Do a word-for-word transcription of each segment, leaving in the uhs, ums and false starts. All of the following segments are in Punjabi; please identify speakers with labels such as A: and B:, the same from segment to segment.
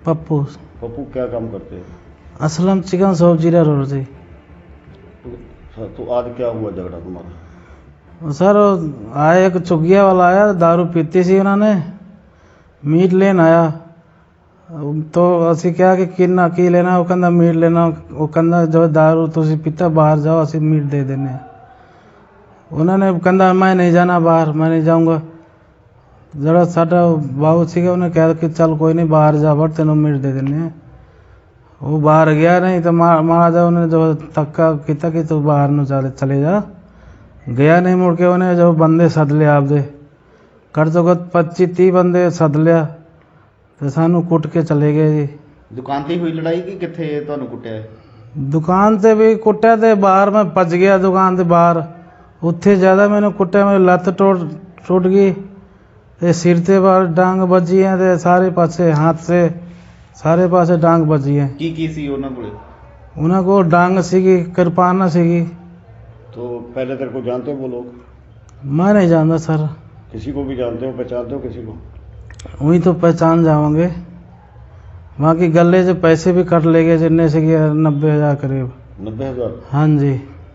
A: पप्पू।
B: पप्पू क्या काम करते हैं?
A: Aslam chicken shop Zira road से।
B: तो, तो आज क्या हुआ झगड़ा तुम्हारा?
A: सर आया एक चुगिया वाला आया, दारू पीती सी उन्होंने, मीट लेन आया तो ਅਸੀਂ ਕਿਹਾ ਕਿ ਕਿੰਨਾ ਕੀ ਲੈਣਾ, ਉਹ ਕਹਿੰਦਾ ਮੀਟ ਲੈਣਾ। ਉਹ ਕਹਿੰਦਾ ਜੋ दारू ਤੁਸੀਂ ਪੀਤਾ ਬਾਹਰ ਜਾਓ, ਅਸੀਂ ਮੀਟ ਦੇ ਦਿੰਦੇ ਹਾਂ। ਉਹਨਾਂ ਨੇ ਕਹਿੰਦਾ ਮੈਂ ਨਹੀਂ ਜਾਣਾ ਬਾਹਰ, ਮੈਂ ਨਹੀਂ ਜਾਊਂਗਾ। ਜਿਹੜਾ ਸਾਡਾ ਬਾਬੂ ਸੀਗਾ ਉਹਨੇ ਕਿਹਾ ਕਿ ਚੱਲ ਕੋਈ ਨਹੀਂ ਬਾਹਰ ਜਾ ਵੜ, ਤੈਨੂੰ ਮੀਟ ਦੇ ਦਿੰਦੇ ਹਾਂ। ਉਹ ਬਾਹਰ ਗਿਆ ਨਹੀਂ ਤਾਂ ਮਾੜਾ ਜਿਹਾ ਉਹਨੇ ਜੋ ਧੱਕਾ ਕੀਤਾ ਕਿ ਤੂੰ ਬਾਹਰ ਨੂੰ ਚੱਲ ਚਲੇ ਜਾ। ਗਿਆ ਨਹੀਂ, ਮੁੜ ਕੇ ਉਹਨੇ ਜੋ ਬੰਦੇ ਸੱਦ ਲਿਆ ਆਪਦੇ, ਘੱਟ ਤੋਂ ਘੱਟ ਪੱਚੀ ਤੀਹ ਬੰਦੇ ਸੱਦ ਲਿਆ ਤੇ ਸਾਨੂੰ ਕੁੱਟ ਕੇ ਚਲੇ ਗਏ ਜੀ।
C: ਦੁਕਾਨ ਤੇ ਹੋਈ ਲੜਾਈ ਕਿ ਕਿੱਥੇ ਤੁਹਾਨੂੰ ਕੁੱਟਿਆ?
A: ਦੁਕਾਨ ਤੇ ਵੀ ਕੁੱਟਿਆ ਤੇ ਬਾਹਰ ਮੈਂ ਭੱਜ ਗਿਆ ਦੁਕਾਨ ਦੇ ਬਾਹਰ, ਉੱਥੇ ਜ਼ਿਆਦਾ ਮੈਨੂੰ ਕੁੱਟਿਆ। ਮੇਰੀ ਲੱਤ ਟੁੱਟ ਟੁੱਟ ਗਈ ਤੇ ਸਿਰ ਤੇ ਬਾਹਰ ਡਾਂਗ ਵੱਜੀ ਹੈ ਤੇ ਸਾਰੇ ਪਾਸੇ ਹੱਥ ਸੇ ਸਾਰੇ ਪਾਸੇ ਡਾਂਗ ਵੱਜੀ ਹੈ।
C: ਕੀ ਕੀ ਸੀ ਉਹਨਾਂ ਕੋਲੇ?
A: ਉਹਨਾਂ ਕੋਲ ਡਾਂਗ ਸੀਗੀ, ਕਿਰਪਾਨ ਸੀਗੀ।
B: तो पहले तेरे को जानते हो वो लोग?
A: मैं नहीं जानता सर।
B: किसी को भी जानते हो, पहचानते हो किसी को?
A: वही तो पहचान जाओगे। बाकी गले से पैसे भी कट ले गए, जितने से गया नब्बे हजार करीब।
B: नब्बे हजार?
A: हाँ जी।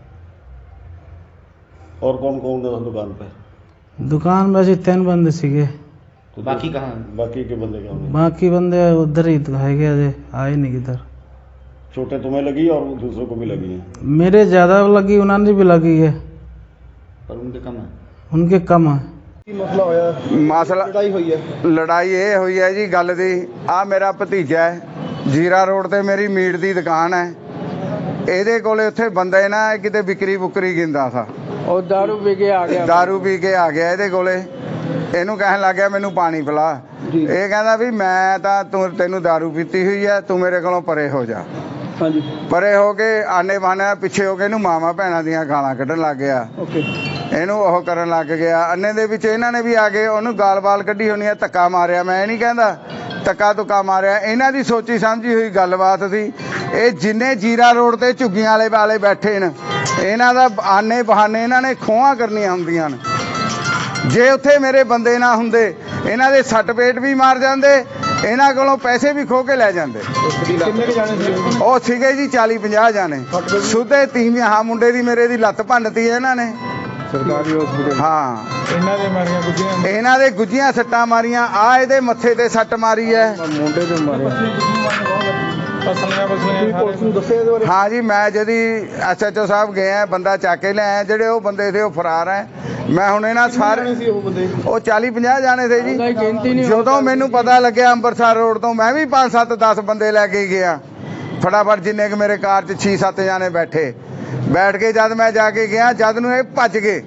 B: और कौन कौन था दुकान पे?
A: दुकान में ऐसे तीन बंदे सीगे।
B: तो
C: बाकी कहाँ?
B: बाकी के बंदे कहाँ हैं?
A: बाकी बंदे उधर ही है गए, आए नहीं किधर।
B: चोटें तुम्हें लगी और दूसरों को भी लगी हैं?
A: मेरे ज़्यादा लगी, उन्होंने भी लगी है,
C: पर उनके कम है।
A: उनके कम है।
D: ਮਸਲਾ ਹੋਇਆ?
E: ਮਸਲਾ
D: ਲੜਾਈ ਹੋਈ ਹੈ?
E: ਲੜਾਈ ਇਹ ਹੋਈ ਹੈ ਜੀ ਗੱਲ ਦੀ, ਆ ਮੇਰਾ ਭਤੀਜਾ ਹੈ, ਜੀਰਾ ਰੋਡ ਤੇ ਮੇਰੀ ਮੀਟ ਦੀ ਦੁਕਾਨ ਹੈ। ਇਹਦੇ ਕੋਲੇ ਉੱਥੇ ਬੰਦੇ ਨਾ ਕਿਤੇ ਵਿਕਰੀ ਬੁਕਰੀ ਗਿੰਦਾ ਸਾ,
A: और दारू पी के आ गया।
E: दारू ਪੀ ਕੇ ਆ ਗਿਆ ਇਹਦੇ ਕੋਲੇ। ਇਹਨੂੰ ਕਹਿਣ ਲੱਗ ਗਿਆ ਮੈਨੂੰ ਪਾਣੀ ਪਿਲਾ। ਇਹ ਕਹਿੰਦਾ ਵੀ ਮੈਂ ਤਾਂ ਤੂੰ ਤੈਨੂੰ दारू ਪੀਤੀ ਹੋਈ ਹੈ, ਤੂੰ ਮੇਰੇ ਕੋਲੋਂ ਪਰੇ ਹੋ ਜਾ।
D: ਹਾਂਜੀ
E: ਪਰੇ ਹੋ ਕੇ ਆਨੇ ਬਾਨੇ ਪਿੱਛੇ ਹੋ ਕੇ ਇਹਨੂੰ ਮਾਮਾ ਭੈਣਾਂ ਦੀਆਂ ਗਾਲਾਂ ਕੱਢਣ ਲੱਗ ਗਿਆ।
D: ਓਕੇ
E: ਇਹਨੂੰ ਉਹ ਕਰਨ ਲੱਗ ਗਿਆ। ਅੰਨੇ ਦੇ ਵਿੱਚ ਇਹਨਾਂ ਨੇ ਵੀ ਆ ਕੇ ਉਹਨੂੰ ਗਾਲ-ਬਾਲ ਕੱਢੀ ਹੋਣੀ ਆ, ਧੱਕਾ ਮਾਰਿਆ। ਮੈਂ ਇਹ ਨਹੀਂ ਕਹਿੰਦਾ ਧੱਕਾ ਧੁੱਕਾ ਮਾਰਿਆ, ਇਹਨਾਂ ਦੀ ਸੋਚੀ ਸਮਝੀ ਹੋਈ ਗੱਲਬਾਤ ਸੀ। ਇਹ ਜਿੰਨੇ ਜੀਰਾ ਰੋਡ ਤੇ ਝੁੱਗੀਆਂ ਵਾਲੇ ਵਾਲੇ ਬੈਠੇ ਨੇ, ਇਹਨਾਂ ਦਾ ਆਨੇ ਬਹਾਨੇ ਇਹਨਾਂ ਨੇ ਖੋਹਾਂ ਕਰਨੀਆਂ ਹੁੰਦੀਆਂ ਨੇ। ਜੇ ਉੱਥੇ ਮੇਰੇ ਬੰਦੇ ਨਾ ਹੁੰਦੇ, ਇਹਨਾਂ ਦੇ ਸੱਟ ਪੇਟ ਵੀ ਮਾਰ ਜਾਂਦੇ, ਇਹਨਾਂ ਕੋਲੋਂ ਪੈਸੇ ਵੀ ਖੋਹ ਕੇ ਲੈ ਜਾਂਦੇ।
D: ਕਿੰਨੇ ਕੁ ਜਾਣੇ ਸੀ?
E: ਉਹ ਸੀਗੇ ਜੀ ਚਾਲੀ ਪੰਜਾਹ ਜਾਣੇ। ਸੁੱਧੇ ਤੀਵੀਆਂ, ਹਾਂ ਮੁੰਡੇ ਦੀ ਮੇਰੇ ਦੀ ਲੱਤ ਭੰਨਤੀ ਇਹਨਾਂ ਨੇ।
D: ਸਰਕਾਰੀ ਹਸਪੀਟਲ?
E: ਹਾਂ
D: ਇਹਨਾਂ ਦੇ ਮਾਰੀਆਂ ਗੁੱਜੀਆਂ?
E: ਇਹਨਾਂ ਦੇ ਗੁੱਜੀਆਂ ਸੱਟਾਂ ਮਾਰੀਆਂ। ਆ ਇਹਦੇ ਮੱਥੇ ਤੇ ਸੱਟ ਮਾਰੀ ਹੈ।
D: ਮੁੰਡੇ ਤੇ ਮਾਰਿਆ? ਪਸਲੀਆਂ ਪਸਲੀਆਂ ਪੁਲਿਸ ਨੂੰ ਦੱਸਿਆ ਇਹਦੇ ਬਾਰੇ?
E: ਹਾਂ ਜੀ, ਮੈਂ ਜਦੀ ਐਸ ਐਚ ਓ ਸਾਹਿਬ ਗਏ ਆ, ਬੰਦਾ ਚੱਕ ਕੇ ਲਿਆਇਆ। ਜਿਹੜੇ ਉਹ ਬੰਦੇ ਸੀ ਉਹ ਫਰਾਰ ਹੈ। ਮੈਂ ਹੁਣ ਇਹਨਾਂ ਸਾਰੇ
D: ਸੀ ਉਹ ਬੰਦੇ?
E: ਉਹ ਚਾਲੀ ਪੰਜਾਹ ਜਾਣੇ ਸੀ ਜੀ। ਜਦੋਂ ਮੈਨੂੰ ਪਤਾ ਲੱਗਿਆ ਅੰਮ੍ਰਿਤਸਰ ਰੋਡ ਤੋਂ, ਮੈਂ ਵੀ ਪੰਜ ਸੱਤ ਦਸ ਬੰਦੇ ਲੈ ਕੇ ਗਿਆ ਫਟਾਫਟ, ਜਿੰਨੇ ਕਿ ਮੇਰੇ ਕਾਰ 'ਚ ਛੇ ਸੱਤ ਜਾਣੇ ਬੈਠੇ। ਬੈਠ ਕੇ ਜਦ ਮੈਂ ਜਾ ਕੇ ਗਿਆ, ਜਦ ਨੂੰ ਇਹ ਭੱਜ ਗਏ।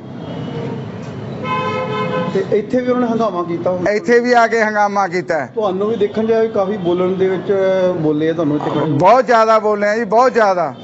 D: ਤੇ ਇੱਥੇ ਵੀ ਉਹਨਾਂ ਨੇ ਹੰਗਾਮਾ ਕੀਤਾ?
E: ਇੱਥੇ ਵੀ ਆ ਕੇ ਹੰਗਾਮਾ ਕੀਤਾ।
D: ਤੁਹਾਨੂੰ ਵੀ ਦੇਖਣ ਜਾਏ ਕਾਫੀ ਬੋਲਣ ਦੇ ਵਿੱਚ ਬੋਲੇ ਆ ਤੁਹਾਨੂੰ ਇੱਥੇ?
E: ਬਹੁਤ ਜ਼ਿਆਦਾ ਬੋਲੇ ਆ ਜੀ, ਬਹੁਤ ਜ਼ਿਆਦਾ।